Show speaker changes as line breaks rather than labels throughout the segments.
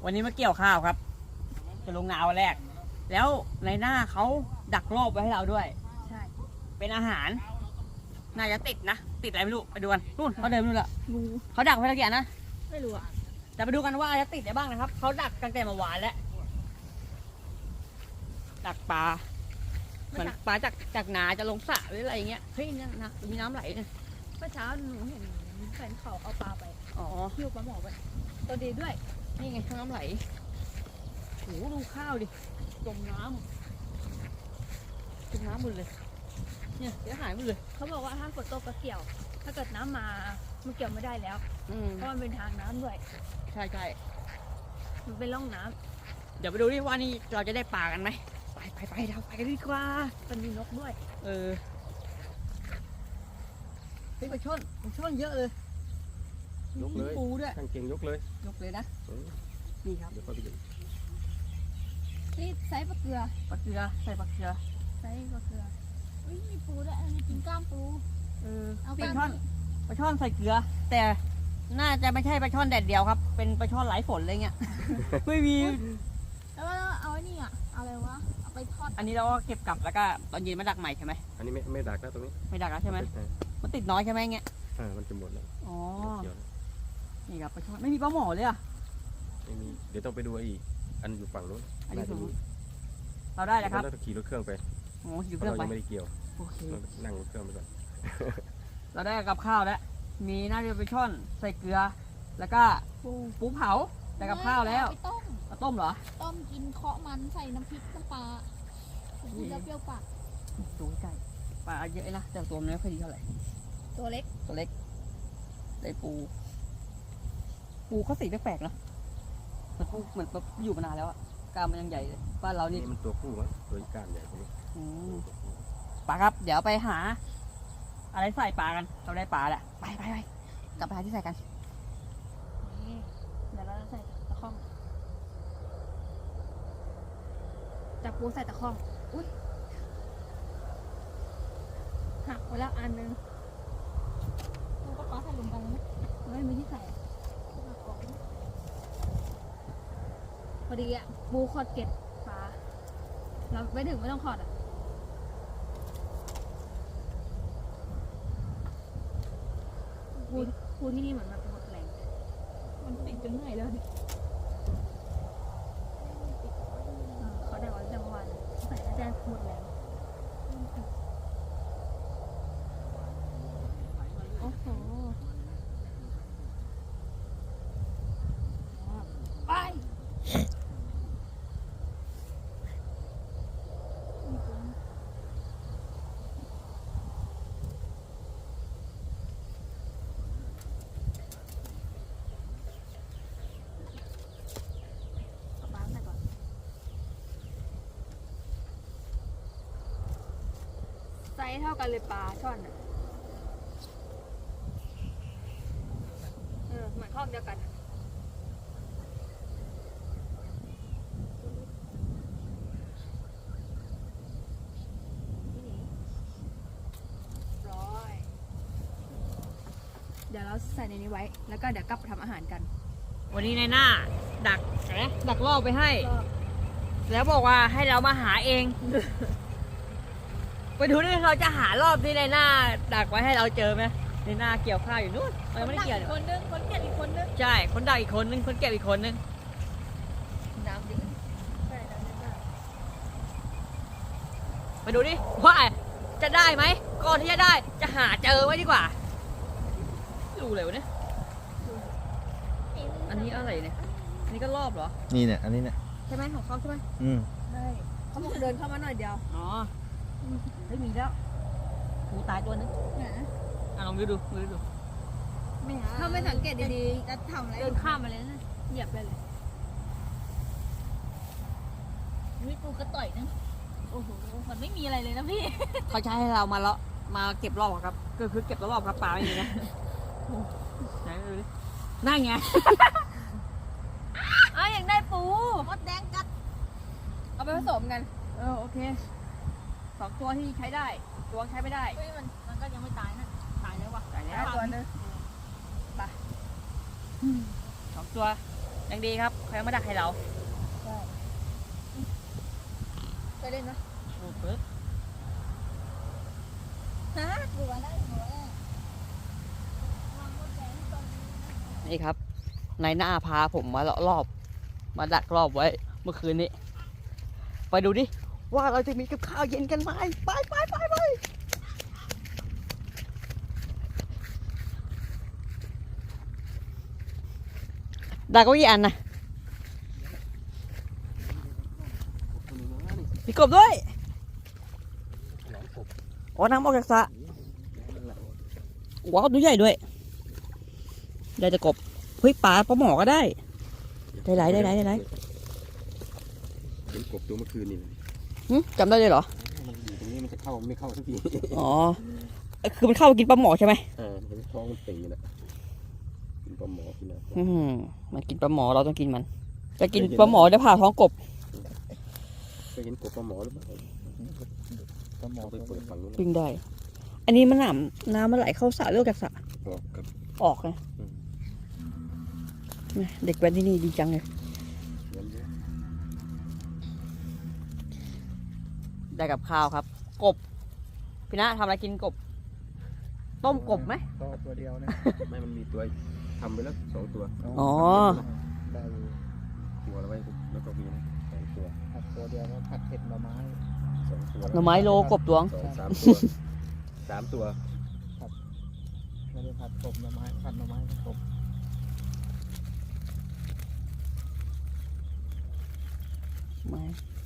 วันนี้มาเกี่ยวข้าวครับจะลงนาวันแรกแล้วในหน้าเขาดักรอบไว้ให้เราด้วยใช่เป็นอาหารน่าจะติดนะติดอะไรไม่รู้ไปดูกันนู่นเขาเดินนู่นละเขาดักไว้ตะเกียบนะไม่รู้อะแต่ไปดูกันว่าจะติดได้บ้างนะครับเขาดักตั้งแต่เมื่อวานแล้วดักปลาเหมือนปลาจากนาจะลงสระหรืออะไรอย่างเงี้ยเฮ้ยนี่นะมีน้ำไหลเนี่ย
เมื่อเช้าหนูเห็นแฟนเขาเอาปลาไป
อ๋อ
หิ้วปลาหมอไปตัวดีด้วย
นี่ไงน้ำไหลโอ้ดูข้าวดิจมน้ำหมดเลยเนี่ยเสียหายหมดเลย
เขาบอกว่าถ้าฝนตกก็เกี่ยวถ้าเกิดน้ำมามันเกี่ยวไม่ได้แล้วเพราะมันเป็นทางน้ำด้วย
ใช่
มันเป็นร่องน้ำ
เดี๋ยวไปดูดิว่านี่เราจะได้ปลากันไหมไปเราไปกันดีกว่า
มันมีนกด้วย
เฮ้ยปลาช่อนเยอะเลย
ยกเลย
ปูด้วย
ตั้งเก่งยกเลย
นะนี่ครับ
เดี๋ยวไปดู
นี่ไซส์ปลาเกลือ
ใส่ปลาเกลือ
ไซส์ปลาเกลืออุ้ยมีปูด้วยมีกินกล้ามปู
เอาปลาช่อนใส่เกลือแต่น่าจะไม่ใช่ปลาช่อนแดดเดียวครับเป็นปลาช่อนไหลฝนอะไรเงี้ย ไม่มี
แล้วเอาไอ้นี่อะไรวะเอาไปทอด
อันนี้เราก็เก็บกลับแล้วก็ตอนเย็นมาดักใหม่ใช่ไหม
อันนี้ไม่ดักแล้วตรงนี้
ไม่ดักแล้วใช่ไหมมันติดน้อยใช่ไหมเงี้ย
มันจะหมดแล้ว
อ๋อนี่ครับปลาช่อนไม่มีปลาหมอเลยอ่ะ
ไม่มีเดี๋ยวต้องไปดูอีกอันอยู่ฝั่งนู้น
เราได้แล้วครับ
เราขี่รถเครื่องไป
โอ้ขี่รถเครื่องไป
ไม่ได้เกี่ยว
โอเค
นั่งรถเครื่องไปก่อน
เราได้กับข้าวแล้วมีน่าจะเป็นช่อนใส่เกลือแล้วก็ปูเผาแต่กับข้าวแล้วต้มเหรอ
ต้มกินเคาะมันใส่น้ำพริกน้ำปลากินแล้วเปรี้ยวปาก
ตัวใหญ่ปลาเยอะนะแต่ตัวไม่ค่อยดีเท่าไหร่
ตัวเล็ก
ได้ปูเขาสีแปลกๆนะเหมือนอยู่มานานแล้วอะกล้ามมันยังใหญ่เลยบ้านเรานี่
มันตัวผู้มั้งตัวกล้ามใหญ่กว่านี้
ปลาครับเดี๋ยวไปหาอะไรใส่ปลากันเราได้ปลาแหละไปกลับไปหาที่ใส่กัน
เดี๋ยวเราจะใส่ตะข้องจับปูใส่ตะข้องอุ้ยหักไปแล้วอันนึงมันก็ปลาใส่ลงไปแล้วไม่มีที่ใส่พอดีอ่ะปูขอดเก็บปลาเราไม่ถึงไม่ต้องขอดอ่ะปูที่นี่เหมือนแบบหมดแรงมันติดจนเหนื่อยแล้วดิเขาได้วันจังวันใส่แล้วจะหมดแรงโอ้โหไปไซส์เท่ากันเลยปลาช่อนอ่ะเหมือนข้อเดียวกันเดี๋ยวเราใส่ในนี้ไว้แล้วก็เดี๋ยวกลับไปทำอาหารกัน
วันนี้ในหน้าดักรอบไปให้แล้วบอกว่าให้เรามาหาเองไปดูดิเราจะหารอบที่ในหน้าดักไว้ให้เราเจอไหมในหน้าเกี่ยวข้าวอยู่นู่นมันไม่ได้เกี่ยว
คนนึงคนเก็บอีกคนนึง
ใช่คนดักอีกคนนึงคนเก็บอีกคนนึง
น้ำดิใช่น้ำดิ
ไปดูดิว่าจะได้ไหมก่อนที่จะได้จะหาเจอไว้ดีกว่าดูเลยวะเนี่ยอันนี้อะไรเนี่ยอันนี้ก็รอบเหรอ
นี่เนี่ยอันนี้เนี่ย
ใช่ไหมของเขาใช่ไหม
ใช่เขาบอกเดินเข้ามาหน่อยเดียว
อ๋อไม่มีแล้วปูตายตัวนึงลองดู
ไม่หาถ้าไม่สังเกตดีๆจะทำอะไรเดินข้ามมาเลยนะเหยียบเลยนี่ปูกระต่อยนะโอ้โหมันไม่มีอะไรเลยนะพี่
เขาใช้ให้เรามาเก็บรอบครับก็คือเก็บรอบครับปลาไม่มีนะไหนดูดินั่นไง
อย่างได้ปูมดแดงกัดเอาไปผสมกัน
โอเค2ตัวที่ใช้ได้ตัวใช้ไม่ได้
มันก็ยังไม่ตายนะตายแล้ววะ
ตายแล้ว
ตัวนึง
ไป2ตัวยังดีครับเขายังมาดักให้เรา
ใช่ไปเล่นนะ
ปึ๊บ
ฮะหัวได้หัวได้
นี่ครับนายหน้าพาผมมาเลาะรอบ มาดักรอบไว้เมื่อคืนนี้ ไปดูดิว่าเราจะมีกับข้าวเย็นกันไหมไปดักก็กี่อันนะมีกบด้วยอ๋อน้ำออกจากสระว้าวตัวใหญ่ด้วยได้แต่กบเฮ้ยปลาหมอก็ได้ได้หลาย
เห็นกบตัวเมื่อคืนนี่เลย
จำได้เลยเหรอ
มันอยู่ตรงนี้มันจะเข้าไม่เข้าสักที
อ๋อ คือมันเข้าไปกินปลาหมอใช่ไหม
เห็นท้องมันตีนะกินปลาหมอกินอะไร
มันกินปลาหมอเราต้องกินมัน จะกินปลาหมอได้ผ่าท้องกบ
เคยเห็นกบปลาหมอหรือเปล่าปลาหมอไปเปิดฝั่งนู้น
ปิ้งได้ อันนี้มันน้ำมันไหลเข้าสระเลือกจากสระ
ออกกับ
ออกไงเด็กแว้นที่นี่ดีจังเลย
เงินเยอะ
ได้กับข้าวครับ กบ พี่นะทำอะไรกินกบ ต้มกบไหม
ก็ตัวเดียวนะ
ไม่มันมีตัวทำไปแล้ว2 ตัว
อ๋อ
ได้อยู่
ตัวแล้วไว้แล้วก็มีนะ2 ตัว
ผัดตัวเดียวก็ผัดเผ็ดหน่อไม้
2 ตัว
หน่อไม้โลกบตวง
3 ตัว
ไม่ได้ผัดกบหน่อไม้ผัดหน่อไม้กับกบ
ไม่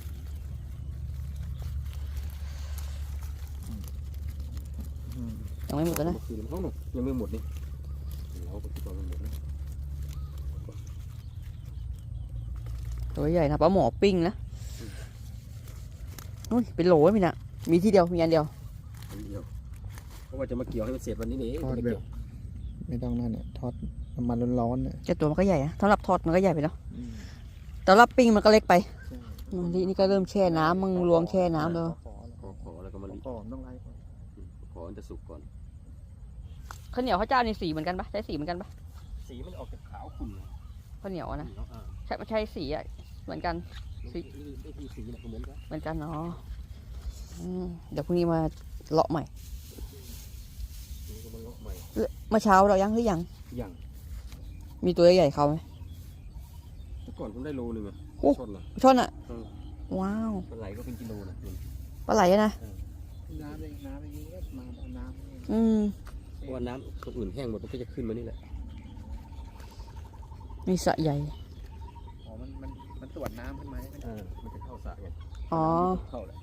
ยังไม่หมดแล้วนะ
เมื่อคืนเขาหนุกยังไม่หมดนี่เราก็คิดว่ามันหมดแล้ว
ตัวใหญ่นะปลาหมอปิ้งนะนู่นเป็นโหลพี่นะมีที่เดียว มีอันเดียว
อันเดียวเพราะว่าจะมาเกี่ยวให้มันเสร็จวันนี้นี่เอง
ทอด
ไม่
แบ
เกี่
บ
ยว
ไม่ต้องนั่นเนี่ยทอดน้ำมันร้อนๆเนี่ย
แต่ตัวมันก็ใหญ่นะสำหรับทอดมันก็ใหญ่ไปเนาะแต่สำหรับปิ้งมันก็เล็กไป นี่ก็เริ่มแช่น้ำมึงลวงแช่น้ำแล้ว
ขอแล้วก็มาลิ
ก่อนต้องไล่ก่อน
ขอมันจะสุกก่อน
ข้าวเหนียวข้าวเจ้านี่สีเหมือนกันปะใช้สีเหมือนกันปะ
สีมันออกจากขาวขุ่น
ข้าวเหนียวอะนะ
อ่า
ใช่สีอะเหมือนกัน
ได้ที่สีเนี่ยเหมือนกัน
เหมือนกันเนาะเดี๋ยวพรุ่งนี้มาเลาะใหม่
นี่ก็มาเลาะใหม่
เมื่อเช้าเรายังหรือยัง
อย่าง
มีตัวใหญ่ๆเขาไหม
เมื่อก่อนผมได้โลนึงอะ
โอ้
ชดเหรอ
ช่อนอะว้าว
ปลาไหลก็เป็นกิโลนะ
ปลาไหลอะนะ
น้ำเองน้ำเองก็มาเอาน้ำเอง
เพราะว่าน้ำคนอื่นแห้งหมดมันก็จะขึ้นมานี่แหละ
มีสระใหญ่
อ๋อมันตรวจน้ำขึ้นมาใช่ไหม
มันจะเข้าสระไง
อ๋อ
เข้าแหละ